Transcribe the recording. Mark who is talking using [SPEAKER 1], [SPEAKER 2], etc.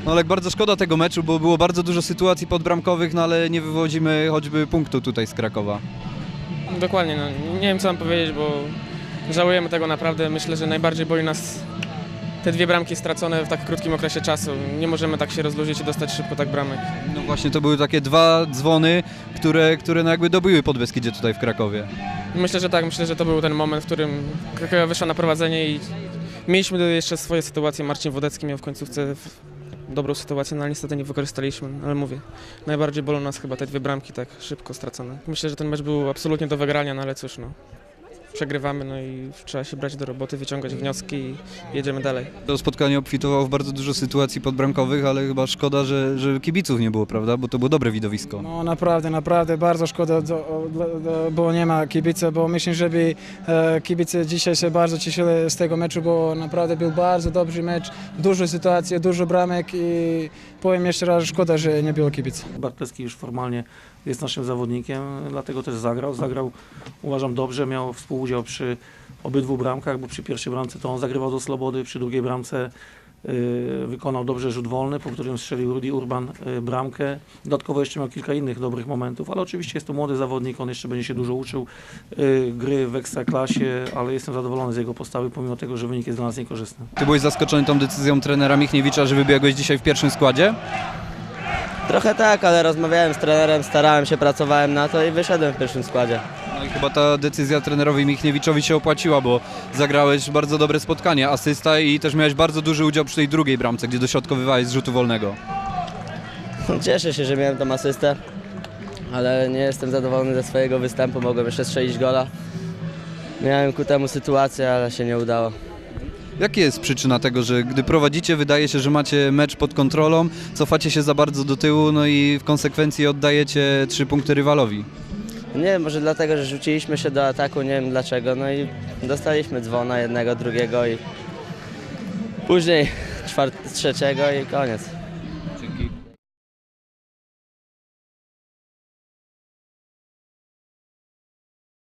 [SPEAKER 1] No ale bardzo szkoda tego meczu, bo było bardzo dużo sytuacji podbramkowych, no ale nie wywodzimy choćby punktu tutaj z Krakowa.
[SPEAKER 2] Dokładnie, no, nie wiem co mam powiedzieć, bo żałujemy tego naprawdę. Myślę, że najbardziej boli nas te dwie bramki stracone w tak krótkim okresie czasu. Nie możemy tak się rozluźnić i dostać szybko tak bramek.
[SPEAKER 1] No właśnie to były takie dwa dzwony, które no jakby dobiły Podbeskidzie tutaj w Krakowie.
[SPEAKER 2] Myślę, że tak, myślę, że to był ten moment, w którym Krakowia wyszła na prowadzenie i mieliśmy jeszcze swoje sytuacje. Marcin Wodecki miał w końcówce dobrą sytuację, no ale niestety nie wykorzystaliśmy, ale mówię, najbardziej bolą nas chyba te dwie bramki tak szybko stracone. Myślę, że ten mecz był absolutnie do wygrania, no ale cóż, no. Przegrywamy, no i trzeba się brać do roboty, wyciągać wnioski i jedziemy dalej.
[SPEAKER 1] To spotkanie obfitowało w bardzo dużo sytuacji podbramkowych, ale chyba szkoda, że kibiców nie było, prawda? Bo to było dobre widowisko.
[SPEAKER 3] No naprawdę bardzo szkoda, bo nie ma kibica, bo myślę, żeby kibice dzisiaj się bardzo cieszyli z tego meczu, bo naprawdę był bardzo dobry mecz, dużo sytuacji, dużo bramek i powiem jeszcze raz, szkoda, że nie było kibica.
[SPEAKER 4] Bartleski już formalnie jest naszym zawodnikiem, dlatego też zagrał. Zagrał, uważam, dobrze, miał współudział przy obydwu bramkach, bo przy pierwszej bramce to on zagrywał do slobody, przy drugiej bramce wykonał dobrze rzut wolny, po którym strzelił Rudy Urban bramkę. Dodatkowo jeszcze miał kilka innych dobrych momentów, ale oczywiście jest to młody zawodnik, on jeszcze będzie się dużo uczył gry w ekstraklasie, ale jestem zadowolony z jego postawy, pomimo tego, że wynik jest dla nas niekorzystny.
[SPEAKER 1] Ty byłeś zaskoczony tą decyzją trenera Michniewicza, że wybiegłeś dzisiaj w pierwszym składzie?
[SPEAKER 5] Trochę tak, ale rozmawiałem z trenerem, starałem się, pracowałem na to i wyszedłem w pierwszym składzie.
[SPEAKER 1] No i chyba ta decyzja trenerowi Michniewiczowi się opłaciła, bo zagrałeś bardzo dobre spotkanie, asysta i też miałeś bardzo duży udział przy tej drugiej bramce, gdzie dośrodkowywałeś z rzutu wolnego.
[SPEAKER 5] Cieszę się, że miałem tą asystę, ale nie jestem zadowolony ze swojego występu, mogłem jeszcze strzelić gola. Miałem ku temu sytuację, ale się nie udało.
[SPEAKER 1] Jaka jest przyczyna tego, że gdy prowadzicie, wydaje się, że macie mecz pod kontrolą, cofacie się za bardzo do tyłu, no i w konsekwencji oddajecie 3 punkty rywalowi?
[SPEAKER 5] Nie wiem, może dlatego, że rzuciliśmy się do ataku, nie wiem dlaczego, no i dostaliśmy dzwona jednego, drugiego i później trzeciego i koniec.